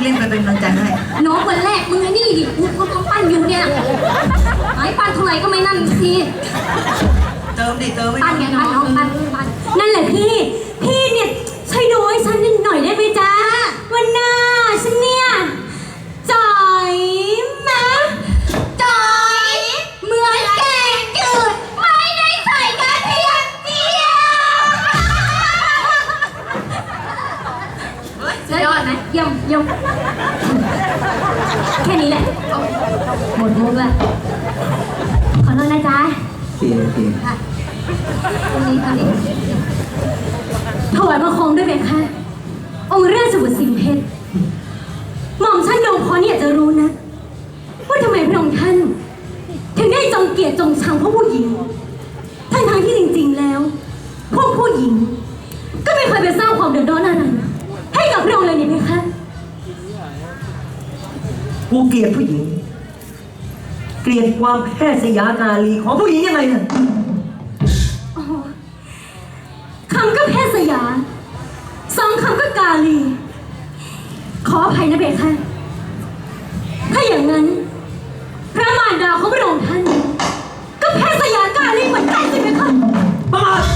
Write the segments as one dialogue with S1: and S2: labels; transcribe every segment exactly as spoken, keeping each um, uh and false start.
S1: เล่นไปเป็นกำลังใจให้
S2: น้องวันแรกมึงไอ้นี่ดิกูกำลังปั้นอยู่เนี่ยหายปั้นเท่าไหร่ก็ไม่นั่นที
S1: เติมดิเติมไม่
S2: ปั้นไงปั้นน้องปั้นปั้นนั่นแหละพี่พี่เนี่ยช่วยดูให้ฉันนิดหน่อยได้ไหมจ๊ะวันหน้าฉันเนี่ยจ่อยมะจ่อยเหมือนแกงจืดไม่ได้ใส่กระเทียมเจียวยอดไหมเยี่ยมเยี่ยมแค่นี้แหละหมดมุกแล้วขอโทษนะจ๊ะ
S1: โอเคโอเค
S2: ตรงนี้ตรงนี้ถวายบังคมด้วยไหมคะองค์ราชบุตรสิงห์เพชรหม่อมท่านดงพรอยากจะรู้นะว่าทำไมพระองค์ท่านถึงได้จงเกลียดจงชังพวกผู้หญิงทั้งทางที่จริงๆแล้วพวกผู้หญิงก็ไม่เคยไปสร้างความเดือดร้อนอะไรให้กับพระองค์เลยนี่ไหมคะ
S3: กูเกลียดผู้หญิงเกลียดความแพทย์สยานารีของผู้หญิงยังไงน่ะ
S2: คำก็แพทย์สยาสองคำก็กาลีขออภัยนะเบคค่ะถ้าอย่างนั้นพระมารดาของพระองค์ท่านก็แพทย์สยากาลีเหมือนกันสิเบคค่ะ
S3: ประมาท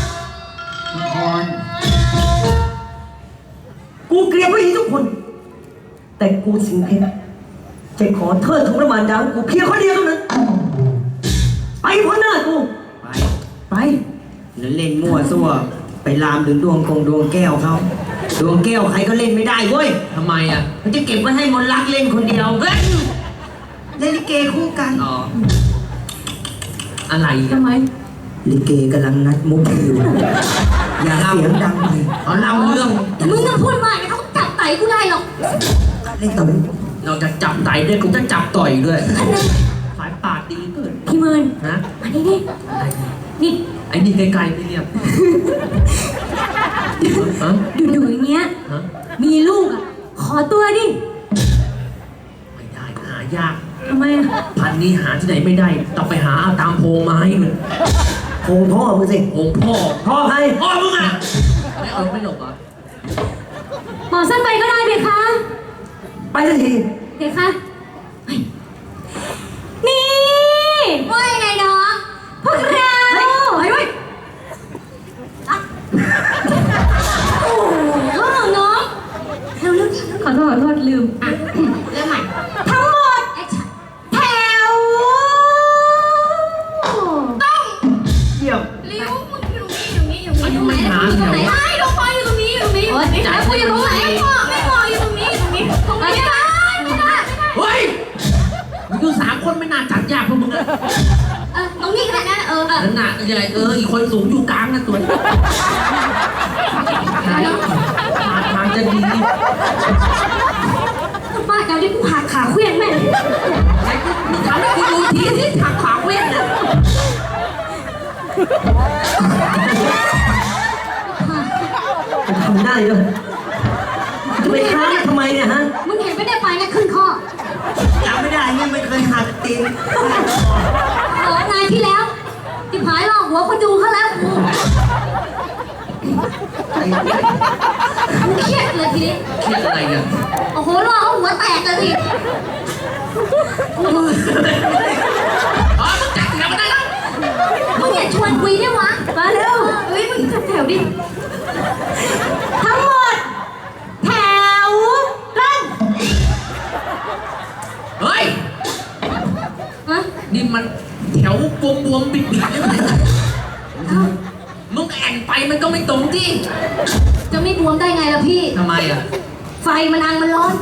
S3: กูเกลียดผู้หญิงทุกคนแต่กูสิงเพชรจะขอเทิดทูนพระมารดาของกูเพียงคนเดียวเท่านั้นไปพ้นหน้ากู
S1: ไป
S3: ไป
S1: แล้วเล่นมั่วซั่วไปลามถึงดวงกงดวงแก้วเขาดวงแก้วใครก็เล่นไม่ได้เว้ย
S4: ทำไมอ่ะ
S1: มันจะเก็บไว้ให้มนรักเล่นคนเดียวเฮ้ยเล่นลิเกคู่กัน
S4: อ๋ออะไร
S2: ทำไม
S1: ลิเกกำลังนัดมุกอยู่อย่าเสียงดังเลย
S4: เอาเล่าเรื่อง
S2: มึงจะพูดมากเขาจับไตกูได้หรอก
S1: เล่นต่อ
S4: เราจะจับไตด้วยกูจะจับต่อยด้วยสายปากดีเกิน
S2: พี่เมิน
S4: ฮะ
S2: อันนี้นี่นี่
S4: ไอ้นี่ไกลๆไม่เรียบ
S2: ดูๆอย่างเงี้ยมีลูกอ่ะขอตัวดิ
S4: ไม่ได้หายาก
S2: ทำไม
S4: พันนี้หาที่ไหนไม่ได้ต้องไปหาตามโพงไม้มัน
S3: โพงพ่อมึงสิ
S4: โพงพ่อ
S3: พ่อใคร
S4: พ่อมึงอ่ะไม่เอาไม่หลบอ่ะ
S2: หมอสั้นไปก็ได้เบคะ
S3: ไปทันที
S2: เบคะนี่ว่ายังไงน้องพวกเราเฮ้ยเฮ้ยโอ้โหน้องเร็วๆขอโทษขอโทษลืมอ่ะเริ่มใหม่ทั้งหมดแถวต้อง
S3: เยี่ยม
S2: ลิ้วมึงอยู่ตรงนี้อยู่ตรงนี้อยู่ตรงนี้อยู่ตรงไหนไอ้ลูกบอลอยู่ตรงนี้อยู่ตรงนี้อยู่ตรงนี้จ่ายกูอยู่ตรงไหนไม่พอไม่พออยู่ตรงนี้อยู่ตรงนี้ตรงนี้ไม่ได้ไม่ได้
S4: เฮ้ยมึงอยู่สามคนไม่น่าจัดยากพวกมึงเลย
S2: เออตรงนี้ก็ได้นะเออเออ
S4: นั่นน่ะใหญ่เอออีกคนสูงอยู่กลางนะตัวทางทางจะดี
S2: ป้าเดี๋ยวนี้กูหักขาเคลื่อนแม่
S4: ไอ้กูทำให้กูดูทีที่หักขาเคลื่อนเนี่ย
S3: ทำได้เลยจะไปค้างทำไมเนี่ยฮะ
S2: มึงเห็นไม่ได้ไปนะขึ้นข้อ
S1: จำไม่ได้เนี่ยไม่เคยหักตีน
S2: เออนายที่แล้วติดหายหลอกหัวคนดูเขาแล้วกูเครียดเลยทีนี้
S4: เครียดอะไรเนี่ย
S2: โอ้โหรอหัวแตกเลยที
S4: อ๋อมึงจัดแถวมาได้แล้ว
S2: มึงอย่าชวนคุยได้วะมาเร็วเฮ้ยมึงจัดแถวดิทั้งหมดแถวตั้ง
S4: เฮ้ยนี่มันแถวบวมบวมบิดบิดได้ไหมมึงแอนไปมันก็ไม่ตรงที่
S2: จะไม่บวมได้ไงล่ะพี่
S4: ทำไมอ่ะ
S2: ไฟมันอังมันร้อน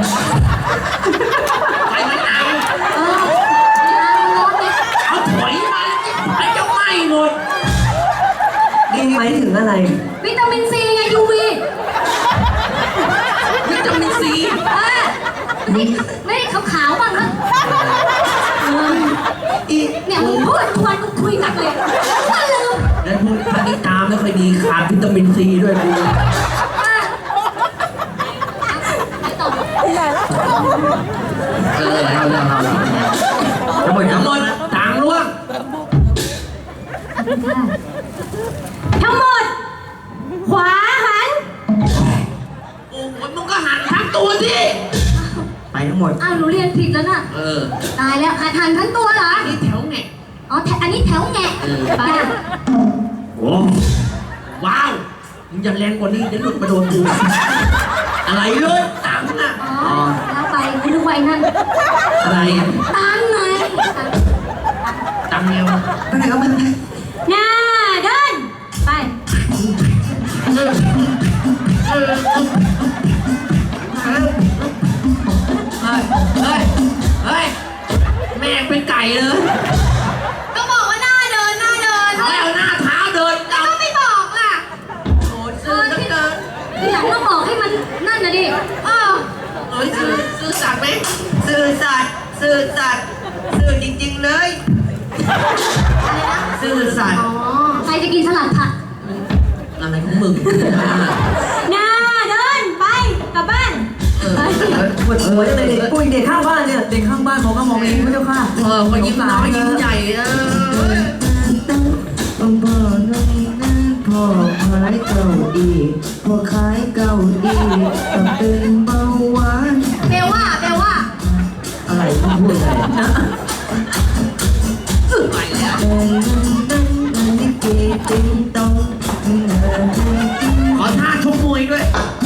S4: ไฟมันอัง
S2: เออมันร้อนเนี่ย
S4: เอาถอยมาไอ้เจ้าไหม้หมด
S3: นี่หมายถึงอะไร
S2: วิตามินซีไงยูวี
S4: วิตามินซี
S2: เออนี่ไม่ขาวๆบ้างนะเนี่ยมึงพูดทวนมึงคุยหนักเลยก็ลืม
S4: แล้วพูดพันธิตาไม่ค่อยดีขาดวิตามินซีด้วยกูเออเอาเอาเอาทั้งหมดทั้งหมดต่างร่วง
S2: ทั้งหมดขวาหัน
S4: โอ้โหมึงก็หันทั้งตัวสิ
S2: อ้าวหนูเรียนผิดแล้วน่ะ
S4: เออ
S2: ตายแล้วหันหันทั้งตัวเหรอ
S4: นี่แถวไง
S2: อ๋อแถอันนี้แถวแงะ
S4: เออ
S2: ไป
S1: โอ้
S4: ว้าวมึงอย่าแรงกว่านี้เดี๋ยวหลุดมาโดนกูอะไรเลยตังค์อ่ะ
S2: อ๋อแล้วไปคุณดูไว้นั่น
S4: อะไรอ่ะ
S2: ตังไง
S4: ตังค์เงี้ยว
S1: ไปไหนก็ไปไหน
S2: หน้าเดินไป
S4: เฮ้ยเฮ้ยเฮ้ยแม่งเป็นไก่เลย
S2: ก็บอกว่าหน้าเดินหน้าเดิน
S4: เอาแล้วหน้าเท้าเดิน
S2: แล้วก็ไม่บอกล่ะ
S4: โอ้ยซื้อจังเกิน
S2: ทีหลังต้องบอกให้มันนั่นนะดิเออ
S4: เอ้ยซื้อซื้อสัตว์ไหม
S1: ซื่อสัตย์ซื่อสัตย์ซื่อจริงๆเลย
S2: อะไรนะ
S1: ซื่อสัตย์
S2: อ๋อใครจะกินสลัดผัก
S4: อะไรของมึง
S2: หน้าเดินไปกลับบ้าน
S4: เออ
S3: ปวดหัวจังเลยเด็กปุ้ยเด็กข้างบ้านเนี่ย
S5: เด็กข้างบ้านเขาก็มองเองพระเจ้าค่ะ
S4: เออคนยิ้มน้อยยิ้มใหญ่เออ
S1: ต้องพ่อน้องนั่นพ่อขายเก้าอีพ่อขายเก้าอีต้องเป็นเบาหวาน
S2: เบลว่าเบลว่า
S1: อะไรต้องพูดอะไรนะ
S4: ไปแล้ว
S1: นั่นนั่นนี่เกติงตอง
S4: ขอท่าชกมวยด้วย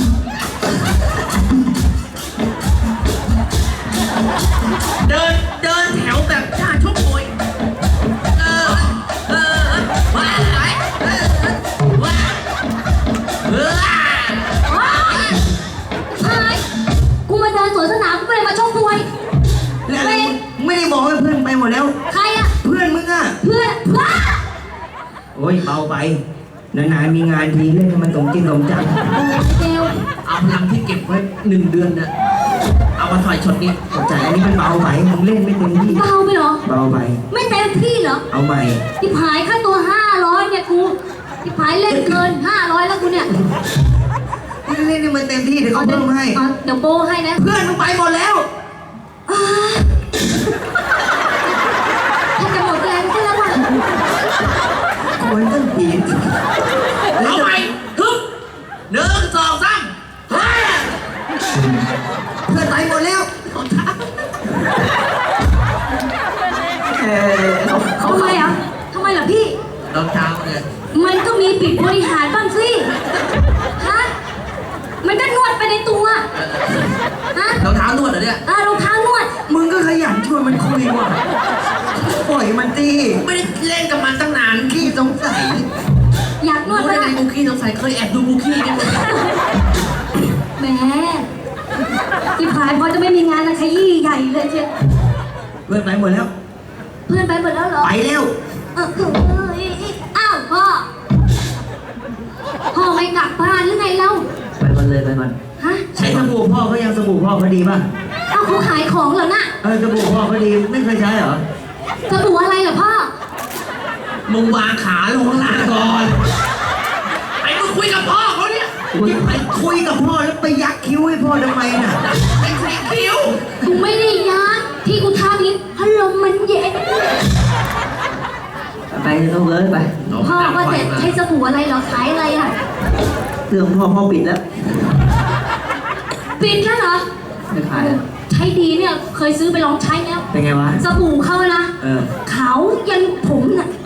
S4: เดินเดินแถวแบบท่าชกมวย เออ เออว้าไปเออว้าเออ
S2: ว้ายชายกูมาเดินสวนสนามกูไม่ได้มาชกมวย
S1: แล้วไม่ได้บอกให้เพื่อนไปหมดแล้ว
S2: ใครอะ
S1: เพื่อนมึงอ่ะ
S2: เพื่อนว้า
S1: โอ้ยเบาไปนานๆมีงานทีเล่นให้มันสมจริงสมจัง
S2: เบล
S4: เอาพลังที่เก็บไว้หนึ่งเดือนน่ะ เอามาต่อยชนนี้
S1: เข้าใจอันนี้มันเบาไปมึงเล่นไม่เต็มที่
S2: เบาไปเหรอ
S1: เบาไป
S2: ไม่เต็มที่เหรอ
S1: เอาใหม่
S2: ที่ผายค่าตัวห้าร้อยเนี่ยกูที่ผายเล่นเกินห้าร้อยแล้วกูเนี่ย
S1: เล่นให้มันเต็มที่เดี๋ยวเขาเพิ่มให้
S2: อ๋อเดี๋ยวโบให้นะ
S1: เพื่อนมึงไปหมดแล้ว
S2: อ่าถ้าจะหมดแรงก็แล้วว่ะ
S1: ควรต้องปีน
S4: เอาใหม่ฮึบหนึ่งสองสามเฮ้ย
S1: เพื่อนไปหมดแล้ว
S3: เออเขาเขา
S2: ทำไมอ่ะทำไมล่ะพี่
S4: รองเท้าเนี่ย
S2: มันก็มีปิดบริหารบ้างสิ ฮะ มันก็นวดไปในตัว ฮะ
S4: รองเท้านวดเหรอเนี่ย
S2: อ่ารองเท้านวด
S1: มึงก็ขยันชวนมันคุยว่ะปล่อยมันตี
S4: ไม่ได้เล่นกับมันตั้งนาน
S1: ขี้สงสัย
S2: อยากน
S4: รู้
S2: วด
S4: ได้
S2: ปะ
S4: ไง
S2: ล่ะ
S4: กูขี้สงสัยเคยแอบดูกูขี้เนี่ย
S2: แหมที่ผายพอจะไม่มีงานนะขยี้ใหญ่เลยเชียว
S1: เพื่อนไปหมดแล้ว
S2: เพื่อนไปหมดแล้วเหรอ
S1: ไปแล้ว
S2: เออเออเออเอออ้าวพ่อ พ่อไม่กลับบ้านหรือไงเล่า
S1: ไปมันเลยไปมัน
S2: ฮะ
S1: ใช้สบู่พ่อเขายังสบู่พ่อเขาดีป่ะ
S2: เอาเขาขายของเหรอน่ะ
S1: เออสบู่พ่อเขาดีไม่เคยใช้เหรอ
S2: สบู่อะไรเหรอพ่อ
S4: มึงวางขาลงข้างล่างก่อนไอ้มึงคุยกับพ่อเขาเนี่ย
S1: ไปคุยกับพ่อแล้วไปยักคิ้วให้พ่อทำไมน่ะ
S4: ไอ้สีคิ้ว
S2: กูไม่ได้ยักที่กูทำนี้พัดลมมันเย็น
S3: ไปต้องเลยไป
S2: พ่อก็จะใช้สบู่อะไรเหรอขายอะไรอ่ะ
S3: เรื่องพ่อพ่อปิดแล้ว
S2: ปิดแล้วเหรอ
S3: ไม่ขายแล้ว
S2: ใช้ดีเนี่ยเคยซื้อไปลองใช้แล้ว
S1: เป็นไงวะ
S2: สบู่เขานะ
S1: เออ
S2: ขาวยันผมน่ะ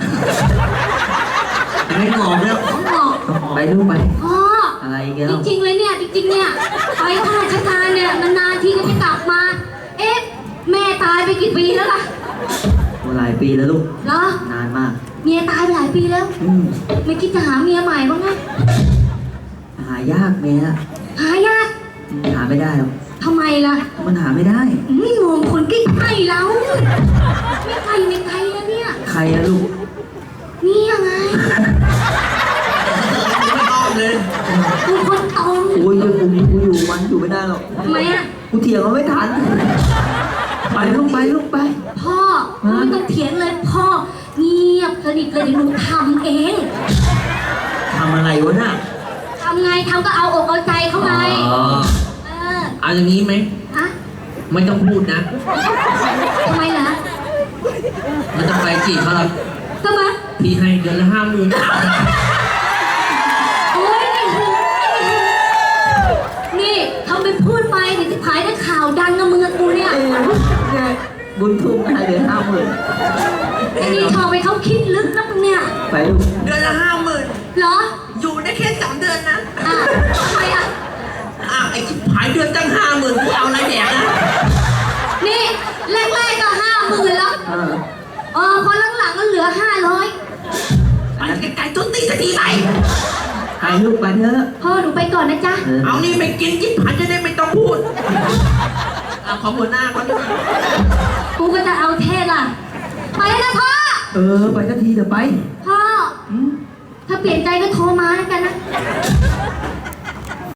S1: ไม่งอกแล้ว
S2: ผมบอก
S3: ไปลูกไป
S2: พ่อ
S3: อะไรเงี้ย
S2: จริงๆเลยเนี่ยจริงๆเนี่ยไปข้าราชการเนี่ยนานๆทีก็จะกลับมา เอ๊ะแม่ตายไปกี่ปีแล้วล่ะ
S3: หลายปีแล้วลูก
S2: เหรอน
S3: านมาก
S2: เมียตายไปหลายปีแล้ว
S3: อืม
S2: ไม่คิดจะหาเมียใหม่บ้างไง
S3: หายากเมีย
S2: หายาก
S3: อืมหาไม่ได้หรอก
S2: ทำไมล่ะ
S3: มันหาไม่ได้
S2: ไม่มองคนใกล้ๆเราไม่ไกลไม่ไกลนะเนี่ย
S3: ใครอะลูก
S2: นี่ยังไง
S4: ไม่อ้อมเลย
S2: กูคนตรง
S3: โอ้ยกูกูอยู่มันอยู่ไม่ได้หรอก
S2: ทำไมอ่ะ
S3: กูเถียงเขาไม่ทัน ไปลูกไปลูกไป
S2: พ่อไม่ต้องเถียงเลยพ่อเงียบสนิทเลยเดี๋ยวหนูทำเอง
S1: ทำอะไรวะน่ะ
S2: ทำไงทำก็เอาอกเอาใจเขาไง
S1: อ๋อ
S2: เออ
S4: เอาอย่างนี้ไหม
S2: อะ
S4: ไม่ต้องพูดนะ
S2: ทำไมล่ะ
S4: ไม่ต้องไปจีบเขาหรอก
S2: ทำไม
S4: พี่ให้เดือนละห้าหมื่น
S2: โอ๊ยนี่หูนี่ทำเป็นพูดไปเดี๋ยวจะขายได้ข่าวดังกับมึงกับกูเนี่ย
S3: เอ
S1: บุญทุ่มมาเหลือห้าหมื่น
S2: ไอ้นี่ทองไปเขาคิดลึกนักเนี่ย
S1: ไปลูก
S4: เดือนละห้าหมื่น
S2: เหรอ
S4: อยู่ได้แค่สองเดือนนะ
S2: อ่ะทำไมอ่ะ
S4: อ้าวไอ้ชิบหายเดือนตั้งห้าหมื่นกูเอาอะไรแดกนะ
S2: นี่แรกๆก็ห้าหมื่นแล้ว
S1: เออ
S2: เออพอหลังๆก็เหลือห้าร้อย
S4: ไปไกลๆต้นตีสักทีไป
S1: ไปลูกไปเถอะ
S2: พ่อหนูไปก่อนนะจ๊ะ
S1: เออ
S4: เอานี่ไม่กินชิบหายจะได้ไม่ต้องพูดเอาของหัวหน้าเขาด้วย
S2: กูก็จะเอาเทศล่ะ ไปแล้วนะพ่อ
S1: เออไปสักทีเดี๋ยวไป
S2: พ่อ ถ้าเปลี่ยนใจก็โทรมาแล้วกันนะ